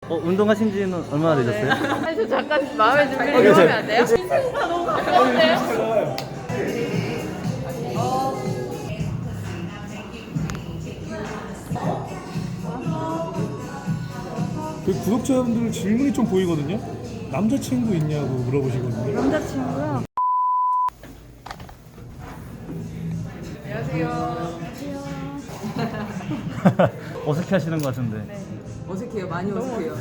운동하신 지는 얼마나 되셨어요? 아니, 저 잠깐 마음의 준비를 좀 하면 안 돼요? 인생사 너무 가까운데요? 그 구독자분들 질문이 좀 보이거든요. 남자친구 있냐고 물어보시거든요. 남자친구요? 안녕하세요. 어색해 하시는 것 같은데. 네. 어색해요. 많이 어색해요.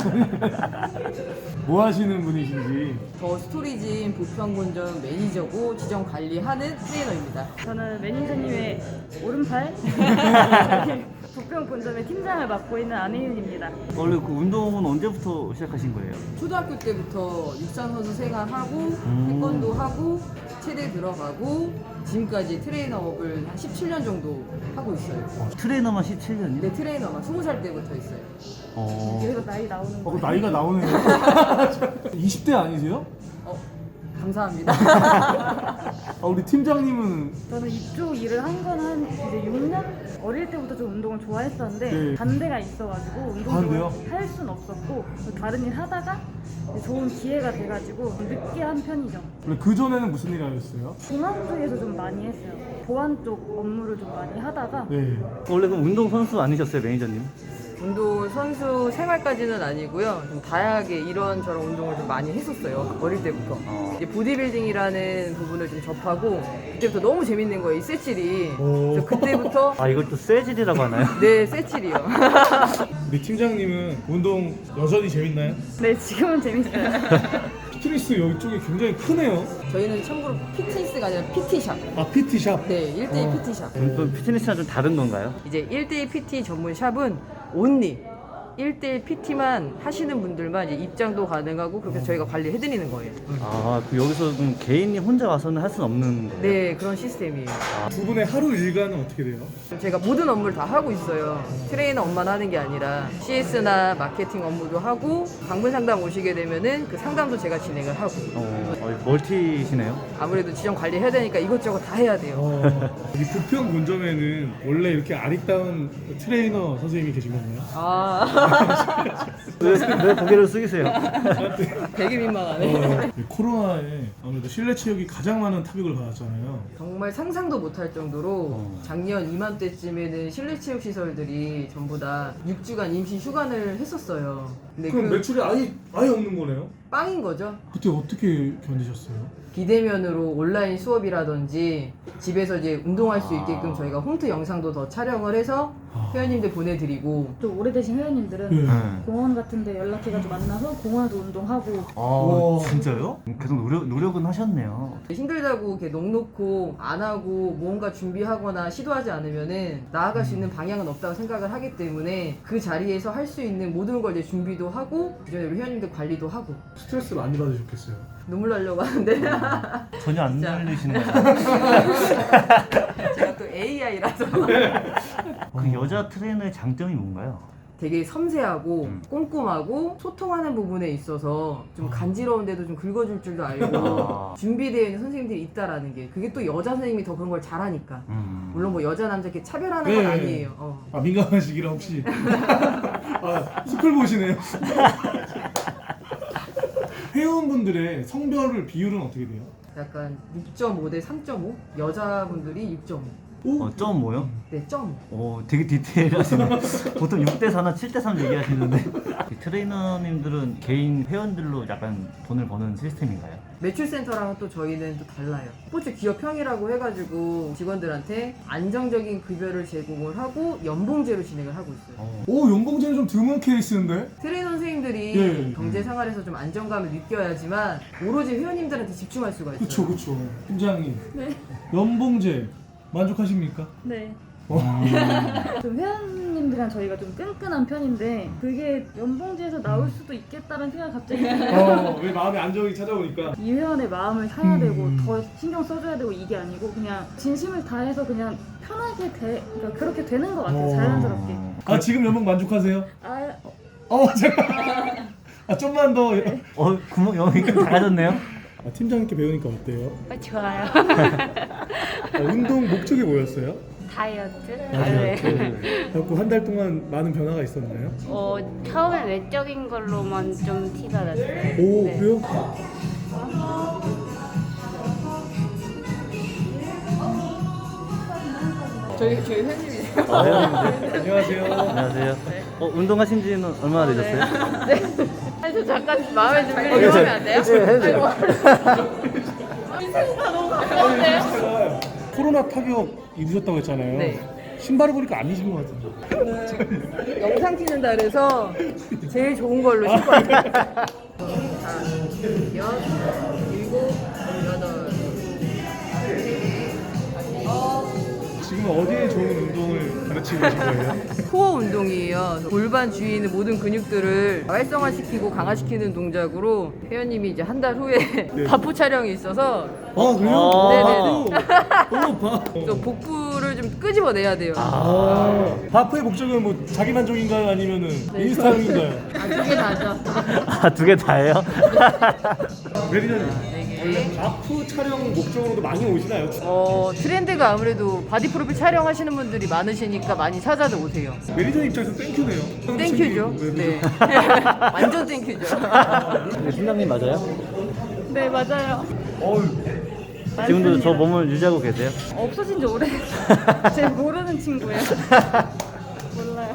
뭐 하시는 분이신지. 저 스토리진 부평본점 매니저고 지정 관리하는 트레이너입니다. 저는 매니저님의 오른팔 부평 본점의 팀장을 맡고 있는 안혜윤입니다. 원래 그 운동은 언제부터 시작하신 거예요? 초등학교 때부터 육상 선수 생활하고 태권도 하고 체대 들어가고 지금까지 트레이너업을 한 17년 정도 하고 있어요. 트레이너만 17년이요? 네, 트레이너만 20살 때부터 했어요. 여기서 나이 나오는 그 거예요? 나이가 나오네요. 20대 아니세요? 감사합니다. 우리 팀장님은 저는 이쪽 일을 한 건 한 이제 6년? 어릴 때부터 좀 운동을 좋아했었는데 네. 반대가 있어가지고 운동을 반대요? 할 순 없었고 다른 일 하다가 이제 좋은 기회가 돼가지고 늦게 한 편이죠. 원래 그 전에는 무슨 일 하셨어요? 공항 쪽에서 좀 많이 했어요. 보안 쪽 업무를 좀 많이 하다가 네. 원래 그럼 운동 선수 아니셨어요, 매니저님? 운동 선수 생활까지는 아니고요. 좀 다양하게 이런저런 운동을 좀 많이 했었어요. 어릴 때부터. 이제 보디빌딩이라는 부분을 좀 접하고 그때부터 너무 재밌는 거예요. 이 쇠질이. 그래서 그때부터 이걸 또 쇠질이라고 하나요? 네, 쇠질이요. 우리 팀장님은 운동 여전히 재밌나요? 네, 지금은 재밌어요. 피트니스 이쪽이 굉장히 크네요. 저희는 참고로 피트니스가 아니라 PT샵. PT샵. 네, 1대1 PT샵. 또 피트니스랑 좀 다른 건가요? 이제 1대1 PT 전문 샵은 온리 1대1 PT만 하시는 분들만 이제 입장도 가능하고 그렇게 저희가 관리해드리는 거예요. 여기서 그럼 개인이 혼자 와서는 할 수는 없는 거예요? 네, 그런 시스템이에요. 두 분의 하루 일과는 어떻게 돼요? 제가 모든 업무를 다 하고 있어요. 트레이너 업만 하는 게 아니라 CS나 마케팅 업무도 하고 방문 상담 오시게 되면은 그 상담도 제가 진행을 하고 멀티시네요? 아무래도 지정 관리해야 되니까 이것저것 다 해야 돼요. 이 부평 본점에는 원래 이렇게 아리따운 트레이너 선생님이 계신 건가요? 왜 고개를 숙이세요? 되게 민망하네. 이 코로나에 아무래도 실내 체육이 가장 많은 타격을 받았잖아요. 정말 상상도 못할 정도로 작년 이맘때쯤에는 실내 체육 시설들이 전부 다 6주간 임시 휴관을 했었어요. 근데 그럼 그 매출이 아예 없는 거네요? 빵인 거죠. 그때 어떻게 견디셨어요? 비대면으로 온라인 수업이라든지 집에서 이제 운동할 수 있게끔 저희가 홈트 영상도 더 촬영을 해서 회원님들 보내드리고 좀 오래되신 회원님들은 네. 공원 같은데 연락해가지고 만나서 공원에도 운동하고 진짜요? 계속 노력은 하셨네요. 힘들다고 이렇게 넋놓고 안 하고 뭔가 준비하거나 시도하지 않으면은 나아갈 수 있는 방향은 없다고 생각을 하기 때문에 그 자리에서 할 수 있는 모든 걸 이제 준비도 하고 기존에 우리 회원님들 관리도 하고 스트레스 많이 받으셨겠어요. 눈물 나려고 하는데 전혀 안 진짜. 날리시는 거예요? 제가 또 AI라서 그 여자 트레이너의 장점이 뭔가요? 되게 섬세하고 꼼꼼하고 소통하는 부분에 있어서 좀 간지러운데도 좀 긁어줄 줄도 알고 준비되어 있는 선생님들이 있다라는 게 그게 또 여자 선생님이 더 그런 걸 잘하니까 물론 뭐 여자 남자 이렇게 차별하는 건 네. 아니에요. 민감하시기라 혹시 스쿨 보시네요. 회원분들의 성별을 비율은 어떻게 돼요? 약간 6.5 대 3.5 여자분들이 6.5 점 뭐요? 네, 점. 되게 디테일하시네. 보통 6대4나 7대3 얘기하시는데 이 트레이너님들은 개인 회원들로 약간 돈을 버는 시스템인가요? 매출센터랑은 또 저희는 또 달라요. 스포츠 기업형이라고 해가지고 직원들한테 안정적인 급여를 제공을 하고 연봉제로 진행을 하고 있어요. 연봉제는 좀 드문 케이스인데? 트레이너 선생님들이 예. 경제 생활에서 좀 안정감을 느껴야지만 오로지 회원님들한테 집중할 수가 있어요. 그쵸. 팀장님. 네. 연봉제 만족하십니까? 네. 좀 회원님들이랑 저희가 좀 끈끈한 편인데 그게 연봉제에서 나올 수도 있겠다는 생각이 갑자기 왜 마음의 안정이 찾아오니까. 이 회원의 마음을 사야 되고 더 신경 써줘야 되고 이게 아니고 그냥 진심을 다해서 그냥 편하게 그러니까 그렇게 되는 것 같아요. 자연스럽게. 지금 연봉 만족하세요? 잠깐. 좀만 더. 구멍 여기 작아졌네요? 팀장님께 배우니까 어때요? 좋아요. 운동 목적이 뭐였어요? 다이어트? 그래갖고 한 달 동안 많은 변화가 있었나요? 처음에 외적인 걸로만 좀 티가 났어요. 오 네. 그래요? 저희 회원님이세요. 회원님들. 안녕하세요. 안녕하세요. 운동하신 지는 얼마나 되셨어요? 아니 저 잠깐 마음에 좀 들면 안 돼요? 네, 해도 돼요. 제가 코로나 타격 입으셨다고 했잖아요. 네. 신발을 보니까 아니신 것 같은데. 영상 찍는다 그래서 제일 좋은 걸로 신고 왔어요. 자, 6, 7, 8. 지금 어디에 좋은 운동을 가르치고 계신 거예요? 코어 운동이에요. 골반 주위에 있는 모든 근육들을 활성화시키고 강화시키는 동작으로 회원님이 이제 한 달 후에 바포 촬영이 있어서 아 그래요? 네네네. 오, 바. 또 복부를 좀 끄집어내야 돼요. 바프의 목적은 뭐 자기 만족인가요? 아니면은 인스타용인가요? 두개 다죠. 아, 두 개 다예요? 매니저님 원래 바프 촬영 목적으로도 많이 오시나요? 트렌드가 아무래도 바디 프로필 촬영하시는 분들이 많으시니까 많이 찾아도 오세요. 매니저 입장에서 땡큐네요. 땡큐죠. 네. 완전 땡큐죠. 네, 팀장님 맞아요? 네 맞아요. 지금도 저 몸을 유지하고 계세요? 없어진 지 오래. 제 모르는 친구예요. 몰라요.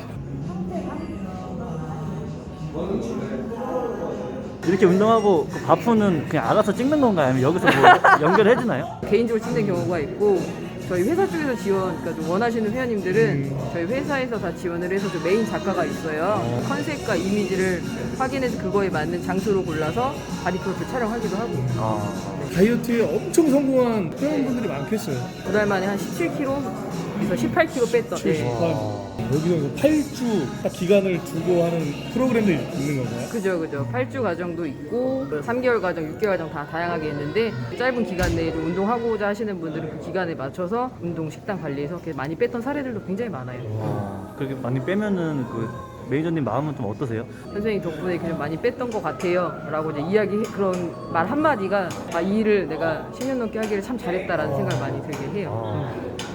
이렇게 운동하고 그 바프는 그냥 알아서 찍는 건가요? 아니면 여기서 뭐 연결해 주나요? 개인적으로 찍는 경우가 있고 저희 회사 쪽에서 지원, 그러니까 좀 원하시는 회원님들은 저희 회사에서 다 지원을 해서 좀 메인 작가가 있어요. 컨셉과 이미지를 확인해서 그거에 맞는 장소로 골라서 바디 프로필 촬영하기도 하고. 다이어트에 엄청 성공한 회원분들이 많겠어요. 2달 만에 한 17kg에서 18kg 뺐던. 네. 여기서 8주 딱 기간을 두고 하는 프로그램도 있는 건가요? 그죠. 8주 과정도 있고 3개월 과정, 6개월 과정 다 다양하게 있는데 짧은 기간 내에 좀 운동하고자 하시는 분들은 그 기간에 맞춰서 운동 식단 관리해서 이렇게 많이 뺐던 사례들도 굉장히 많아요. 그렇게 많이 빼면은 그 매니저님 마음은 좀 어떠세요? 선생님 덕분에 이렇게 좀 많이 뺐던 것 같아요 라고 이제 그런 말 한마디가 이 일을 내가 10년 넘게 하기를 참 잘했다라는 생각을 많이 들게 해요.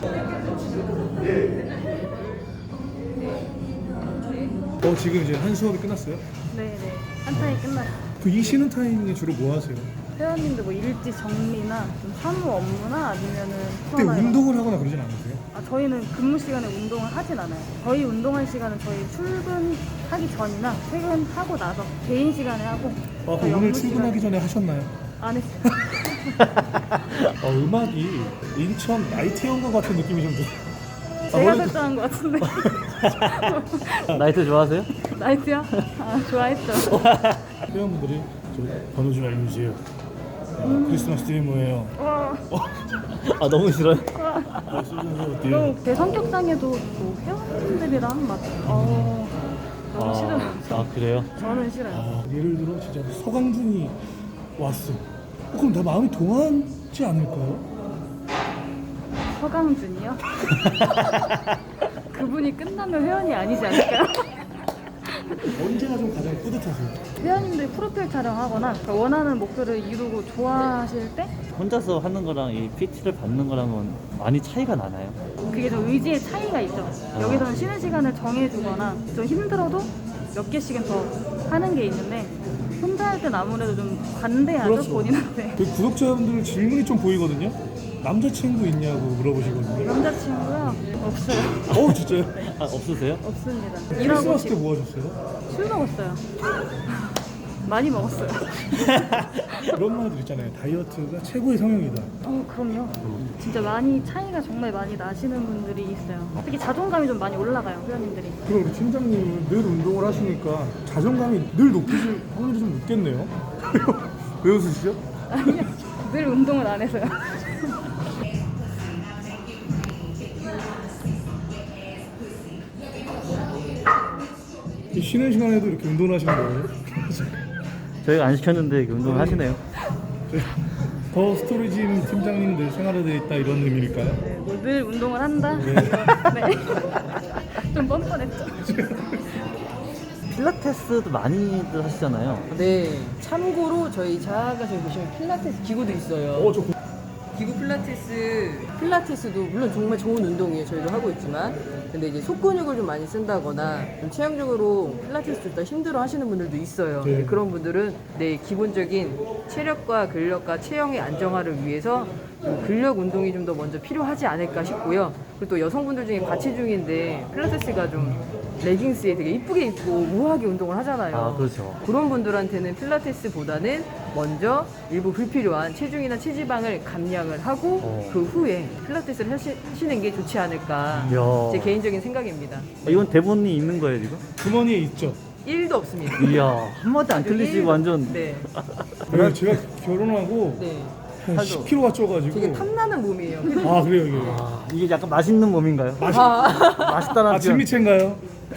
지금 이제 한 수업이 끝났어요? 네네. 한 타임 끝났어요. 그 이 쉬는 타임에 주로 뭐 하세요? 회원님들 뭐 일지 정리나 좀 사무 업무나 아니면은 그때 수업이나 운동을 하거나 그러진 않으세요? 저희는 근무 시간에 운동을 하진 않아요. 저희 운동할 시간은 저희 출근하기 전이나 퇴근하고 나서 개인 시간에 하고 저희 오늘 업무 출근하기 전에 하셨나요? 안 했어요. 음악이 인천 나이트연가 같은 느낌이 좀 들어요. 제가 설정한 것 같은데. 나이트 좋아하세요? 나이트요? 좋아했죠. 회원분들이 번호 좀 알려주세요. 크리스마스 트리 뭐예요? 아, 너무 싫어요? 너무 제 성격상에도 뭐 회원님들이랑 막 너무 싫어요. 아, 그래요? 저는 싫어요. 예를 들어 진짜 서강준이 왔어. 그럼 다 마음이 동하지 않을까요? 서강준이요? 그분이 끝나면 회원이 아니지 않을까요? 언제가 좀 가장 뿌듯하세요? 회원님들이 프로필 촬영하거나 원하는 목표를 이루고 좋아하실 때 혼자서 하는 거랑 이 PT를 받는 거랑은 많이 차이가 나나요? 그게 좀 의지의 차이가 있죠. 여기서는 쉬는 시간을 정해주거나 좀 힘들어도 몇 개씩은 더 하는 게 있는데 혼자 할 땐 아무래도 좀 관대하죠, 그렇죠. 본인한테. 그 구독자분들 질문이 좀 보이거든요. 남자친구 있냐고 물어보시거든요. 남자친구요? 없어요. 진짜요? 아, 없으세요? 없습니다. 일하고 크리스마스 때 지금 뭐 하셨어요? 술 먹었어요. 많이 먹었어요. 그런 말들 있잖아요. 다이어트가 최고의 성형이다. 그럼요. 진짜 많이 차이가 정말 많이 나시는 분들이 있어요. 특히 자존감이 좀 많이 올라가요, 회원님들이. 그럼 우리 팀장님은 늘 운동을 하시니까 자존감이 늘 높으실 확률이 좀 높겠네요. 왜 웃으시죠? 아니요. 늘 운동을 안 해서요. 쉬는 시간에도 이렇게 운동을 하시는 거예요? 저희가 안 시켰는데 이렇게 운동을 하시네요. 더 스토리짐 팀장님 늘 생활화되어 있다 이런 의미일까요? 네, 뭐늘 운동을 한다? 네. 좀 뻔뻔했죠. 필라테스도 많이들 하시잖아요. 네. 참고로 저희 자가 저기 보시면 필라테스 기구도 있어요. 기구 필라테스도 물론 정말 좋은 운동이에요. 저희도 하고 있지만. 근데 이제 속근육을 좀 많이 쓴다거나 좀 체형적으로 필라테스 좀 더 힘들어 하시는 분들도 있어요. 네. 그런 분들은 내 기본적인 체력과 근력과 체형의 안정화를 위해서 좀 근력 운동이 좀 더 먼저 필요하지 않을까 싶고요. 그리고 또 여성분들 중에 과체 중인데 필라테스가 좀 레깅스에 되게 이쁘게 입고 우아하게 운동을 하잖아요. 아, 그렇죠. 그런 분들한테는 필라테스보다는 먼저 일부 불필요한 체중이나 체지방을 감량을 하고 그 후에 필라테스를 하시는 게 좋지 않을까 이야. 제 개인적인 생각입니다. 이건 대본이 있는 거예요 지금? 주머니에 있죠. 1도 없습니다. 이야 한마디 안 틀리시고 완전 네. 제가 결혼하고 네. 한 살도- 10kg가 쪄가지고. 되게 탐나는 몸이에요. 아 그래요 이게. 아, 이게 약간 맛있는 몸인가요? 맛있다는 아 진미채인가요?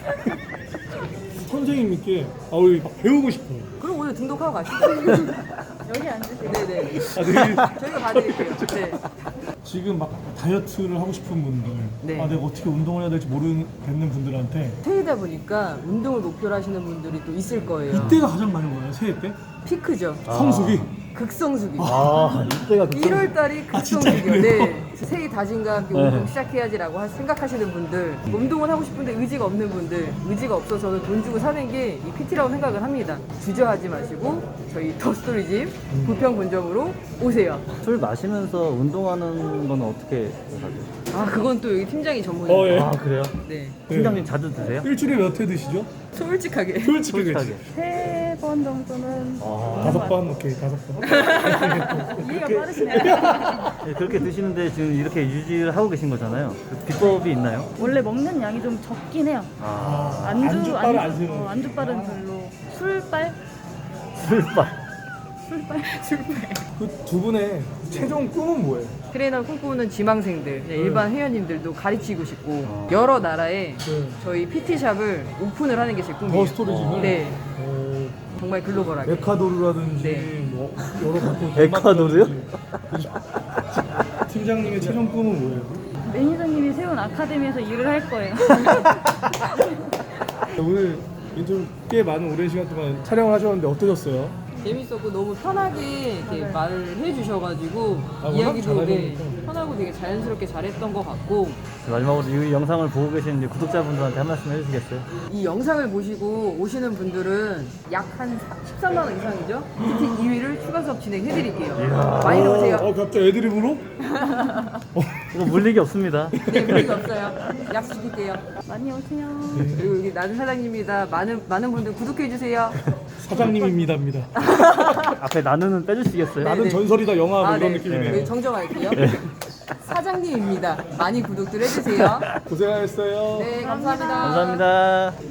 선생님께 우리 막 배우고 싶어요. 그럼 오늘 등록하고 가시죠. 여기 앉으세요. 네네. 아, 저희가 봐드릴게요. 네. 지금 막 다이어트를 하고 싶은 분들, 네. 내가 어떻게 운동을 해야 될지 모르겠는 분들한테 새해다 보니까 운동을 목표로 하시는 분들이 또 있을 거예요. 이때가 가장 많은 거예요. 새해 때 피크죠. 성수기. 극성수기. 아 이때가 1월 달이 극성수기요. 진짜요? 네. 새해 다짐과 함께 운동 시작해야지라고 생각하시는 분들, 운동을 하고 싶은데 의지가 없는 분들, 의지가 없어서는 돈 주고 사는 게 이 PT라고 생각을 합니다. 주저하지 마시고 저희 더스토리집 부평분점으로 오세요. 술 마시면서 운동하는 건 어떻게 하세요? 아 그건 또 여기 팀장이 전문이에요. 예. 아 그래요? 네. 팀장님 자주 드세요? 일주일에 몇 회 드시죠? 솔직하게. 솔직하게. 솔직하게. 3번 정도는 다섯 번, 오케이, 5번. 이해가 빠르시네요. 네, 그렇게 드시는데 지금 이렇게 유지를 하고 계신 거잖아요. 그 비법이 있나요? 원래 먹는 양이 좀 적긴 해요. 아 안주빨을 안 쓰는. 안주빨은 별로. 술빨? 술빨. 그 두 분의 최종 꿈은 뭐예요? 트레이너 꿈꾸는 지망생들, 그냥 일반 회원님들도 가르치고 싶고 여러 나라에 네. 저희 PT샵을 오픈을 하는 게 제 꿈이에요. 더 스토리집을? 네. 어, 정말 글로벌하게. 에콰도르라든지 네. 뭐 여러 각국 에콰도르요? 팀장님의 최종 꿈은 뭐예요? 매니저님이 세운 아카데미에서 일을 할 거예요. 오늘 인터뷰 꽤 많은 오랜 시간 동안 촬영을 하셨는데 어떠셨어요? 재밌었고 너무 편하게 이렇게 말을 해주셔가지고 워낙 이야기도 잘하니까. 편하고 되게 자연스럽게 잘했던 것 같고 마지막으로 이 영상을 보고 계신 이제 구독자분들한테 한 말씀 해주시겠어요? 이 영상을 보시고 오시는 분들은 약 한 13만 원 이상이죠? PT 2위를 추가 수업 진행해드릴게요. 많이 오세요. 갑자기 애드립으로? 이거 물리기 없습니다. 네, 문제 없어요. 약속드릴게요. 많이 오세요. 그리고 여기 나는 사장님입니다. 많은 분들 구독해주세요. 사장님입니다입니다. 앞에 나누는 빼주시겠어요? 나는 네. 전설이다 영화 뭐 이런 네. 느낌이네요. 저희 정정할게요. 사장님입니다. 많이 구독들 해주세요. 고생하셨어요. 네, 감사합니다. 감사합니다.